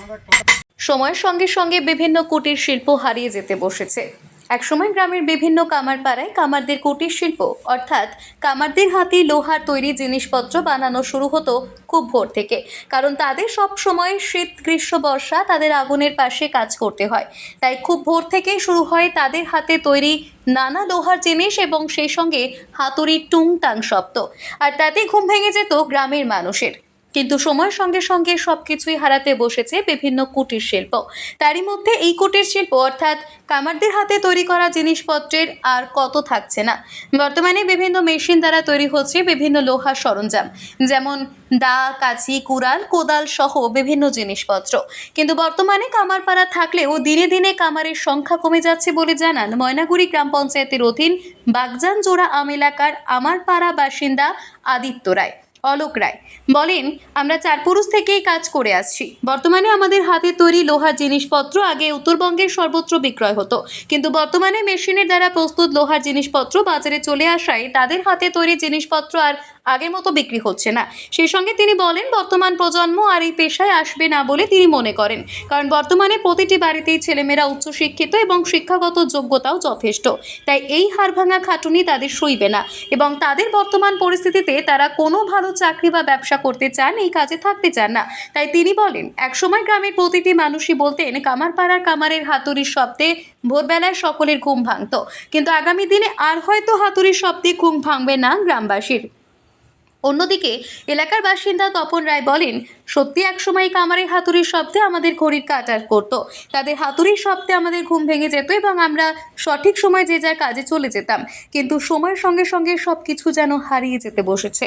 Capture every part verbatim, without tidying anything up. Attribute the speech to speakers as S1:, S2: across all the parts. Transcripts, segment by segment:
S1: সময়ের সঙ্গে সঙ্গে বিভিন্ন কুটির শিল্প হারিয়ে যেতে বসেছে। একসময় গ্রামের বিভিন্ন কামারপাড়ায় কামারদের কুটির শিল্প অর্থাৎ কামারদের হাতে লোহার তৈরি জিনিসপত্র বানানো শুরু হতো খুব ভোর থেকে, কারণ তাদের সব সময় শীত গ্রীষ্ম বর্ষা তাদের আগুনের পাশে কাজ করতে হয়। তাই খুব ভোর থেকেই শুরু হয় তাদের হাতে তৈরি নানা লোহার জিনিস এবং সেই সঙ্গে হাতুড়ির টুংটাং শব্দ, আর তাতে ঘুম ভেঙে যেত গ্রামের মানুষের। কিন্তু সময়ের সঙ্গে সঙ্গে সবকিছুই হারাতে বসেছে বিভিন্ন কুটির শিল্প। তারই মধ্যে এই কুটির শিল্প অর্থাৎ কামারদের হাতে তৈরি করা জিনিসপত্রের আর কত থাকছে না। বর্তমানে বিভিন্ন মেশিন দ্বারা তৈরি হচ্ছে বিভিন্ন লোহার সরঞ্জাম, যেমন দা, কাঁচি, কুড়াল, কোদাল সহ বিভিন্ন জিনিসপত্র। কিন্তু বর্তমানে কামারপাড়া থাকলেও দিনে দিনে কামারের সংখ্যা কমে যাচ্ছে বলে জানান ময়নাগুড়ি গ্রাম পঞ্চায়েতের অধীন বাগজান জোড়া আম এলাকার আমারপাড়া বাসিন্দা আদিত্য রায়। অলোক রায় বলেন, আমরা চার পুরুষ থেকেই কাজ করে আসছি। বর্তমানে আমাদের হাতে তৈরি লোহার জিনিসপত্র আগে উত্তরবঙ্গের সর্বত্র বিক্রয় হতো, কিন্তু বর্তমানে মেশিনের দ্বারা প্রস্তুত লোহার জিনিসপত্র বাজারে চলে আসায় তাদের হাতে তৈরি জিনিসপত্র আর আগের মতো বিক্রি হচ্ছে না। সেই সঙ্গে তিনি বলেন, বর্তমান প্রজন্ম আর এই পেশায় আসবে না বলে তিনি মনে করেন, কারণ বর্তমানে প্রতিটি বাড়িতেই ছেলেমেয়েরা উচ্চশিক্ষিত এবং শিক্ষাগত যোগ্যতাও যথেষ্ট। তাই এই হাড়ভাঙা খাটুনি তাদের সইবে না এবং তাদের বর্তমান পরিস্থিতিতে তারা কোনো ভালো চাকরি বা ব্যবসা করতে চান, এই কাজে থাকতে চান না। তাই তিনি বলেন, একসময় গ্রামের প্রতিটি মানুষই বলতেন কামারপাড়ার কামারের হাতুড়ির শব্দে ভোরবেলায় সকলের ঘুম ভাঙত, কিন্তু আগামী দিনে আর হয়তো হাতুড়ির শব্দে ঘুম ভাঙবে না গ্রামবাসীর। অন্যদিকে এলাকার বাসিন্দা তপন রায় বলেন, সত্যি একসময় কামারের হাতুড়ির শব্দে আমাদের ঘড়ির কাঁটার করত, তাদের হাতুড়ির শব্দে আমাদের ঘুম ভেঙে যেত এবং আমরা সঠিক সময় যে যার কাজে চলে যেতাম, কিন্তু সময়ের সঙ্গে সঙ্গে সব কিছু যেন হারিয়ে যেতে বসেছে।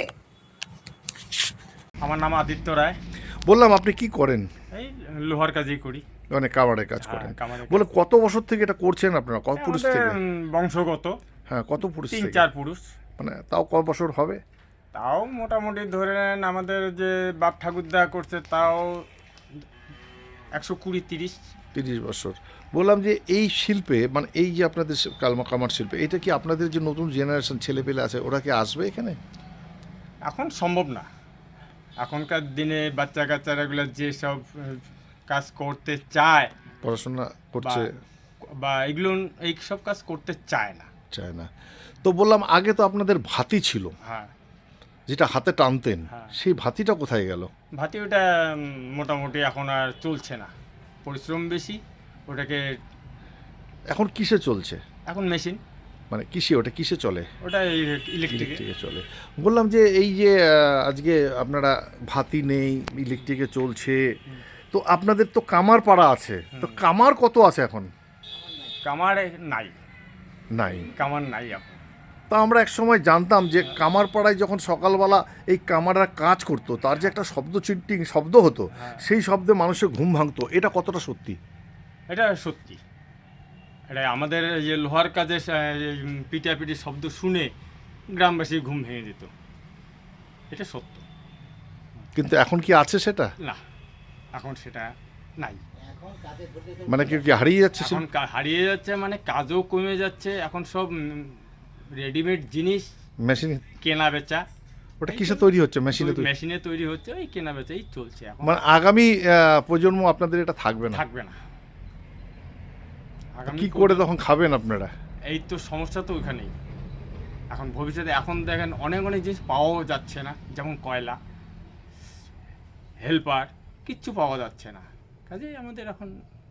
S2: আমার নাম আদিত্য রায়।
S3: বললাম আপনি কি করেন?
S2: এই লোহার কাজই করি,
S3: মানে কামারের কাজ করেন।
S2: কামারের
S3: বলে কত বছর থেকে এটা করছেন আপনারা? কত পুরুষ
S2: আমাদের,
S3: থেকে?
S2: উম, বংশগত।
S3: হ্যাঁ, কত পুরুষ
S2: তিন
S3: থেকে?
S2: চার পুরুষ।
S3: মানে তাও কত বছর হবে?
S2: তাও মোটামুটি ধরে নেন আমাদের যে বাপ ঠাকুরদা করছে তাও একশো কুড়ি তিরিশ
S3: তিরিশ বছর। বললাম যে এই শিল্পে মানে এই যে আপনাদের শি- কালমা কামার শিল্পে, এটা কি আপনাদের যে নতুন জেনারেশন ছেলে পেলে আছে ওরা কি আসবে এখানে?
S2: এখন সম্ভব না। এখনকার দিনে বাচ্চা কাচ্চারা এগুলো যেসব আহ, কাজ করতে চায়
S3: পড়াশোনা করছে
S2: বা- বা এগুলো এই সব কাজ করতে চায় না।
S3: চায় না। তো বললাম আগে তো আপনাদের ভাতি ছিল,
S2: হ্যাঁ,
S3: যেটা হাতে টানতেন,
S2: হ্যাঁ।
S3: সেই ভাতিটা কোথায় গেল?
S2: ভাতি ওটা উম, মোটামুটি এখন আর চলছে না, পরিশ্রম বেশি ওটাকে।
S3: এখন কিসে চলছে?
S2: এখন মেশিন,
S3: মানে কিসে, ওটা কিসে চলে?
S2: ওটা ইলেকট্রিক।
S3: ইলেকট্রিকে চলে। বললাম যে এই যে আহ, আজকে আপনারা ভাতি নেই, ইলেকট্রিকে চলছে, তো আপনাদের তো কামার পাড়া আছে, তো কামার কত আছে এখন?
S2: কামার নাই,
S3: নাই।
S2: কামার নাই এখন।
S3: তা আমরা এক সময় জানতাম যে কামার পাড়ায় যখন সকালবেলা এই কামাররা কাজ করতো তার যে একটা শব্দ চিন্টিং শব্দ হতো, সেই শব্দে মানুষের ঘুম ভাঙতো, এটা কতটা সত্যি?
S2: এটা সত্যি। এটা আমাদের এই যে লোহার কাজে পিটাপিটি শব্দ শুনে গ্রামবাসী ঘুম ভেঙে যেত, এটা সত্য।
S3: কিন্তু এখন কি আছে সেটা?
S2: না, এখন সেটা নাই।
S3: মানে কি কি হারিয়ে যাচ্ছে?
S2: এখন কা- হারিয়ে যাচ্ছে, মানে কাজও কমে যাচ্ছে। এখন সব রেডিমেড জিনিস,
S3: মেশিন।
S2: কেনা বেচা।
S3: ওটা কিসে তৈরি হচ্ছে? মেশিনে তৈরি?
S2: মেশিনে তৈরি হচ্ছে, ওই কেনা বেচাই চলছে এখন।
S3: মানে আগামী আহ, প্রজন্ম আপনাদের এটা থাকবে না?
S2: থাকবে না। আগামী
S3: কি করে
S2: প্রজন্ম-
S3: তখন খাবেন আপনারা?
S2: এই তো সমস্যা তো ওইখানেই। এখন ভবিষ্যতে এখন দেখেন অনেক অনেক জিনিস পাওয়াও যাচ্ছে না, যেমন কয়লা, হেল্পার, কিচ্ছু পাওয়া যাচ্ছে না। কাজেই আমাদের এখন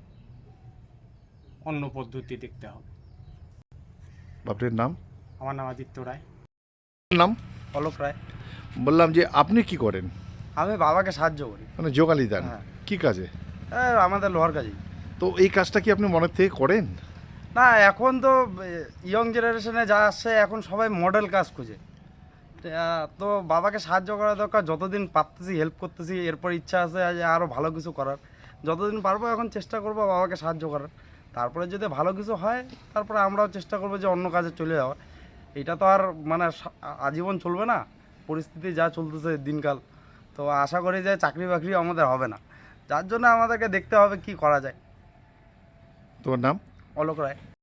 S2: অন্য পদ্ধতি দেখতে হবে।
S3: আপনার নাম?
S2: আমার নাম আদিত্য রায়।
S3: নাম?
S4: অলোক রায়।
S3: বললাম যে আপনি কি করেন?
S4: আমি বাবাকে সাহায্য করি।
S3: মানে যোগালি দেন?
S4: হ্যাঁ।
S3: কি কাজে?
S4: এ, আমাদের লোহার কাজই।
S3: তো এই কাজটা কি আপনি মনের থেকে করেন?
S4: না, এখন তো ইয়ং জেনারেশনে যা আসছে এখন সবাই মডেল কাজ খুঁজে। তা, তো বাবাকে সাহায্য করা দরকার, যতদিন পারতেছি হেল্প করতেছি। এরপর ইচ্ছা আছে যে আরও ভালো কিছু করার, যতদিন পারবো এখন চেষ্টা করবো বাবাকে সাহায্য করার। তারপরে যদি ভালো কিছু হয় তারপরে আমরাও চেষ্টা করবো যে অন্য কাজে চলে যাওয়ার। এটা তো আর মানে সা- আজীবন চলবে না, পরিস্থিতি যা চলতেছে দিনকাল। তো আশা করি যে চাকরি বাকরি আমাদের হবে না, যার জন্য আমাদেরকে দেখতে হবে কি করা যায়।
S3: তোমার নাম?
S4: অলোক রায়।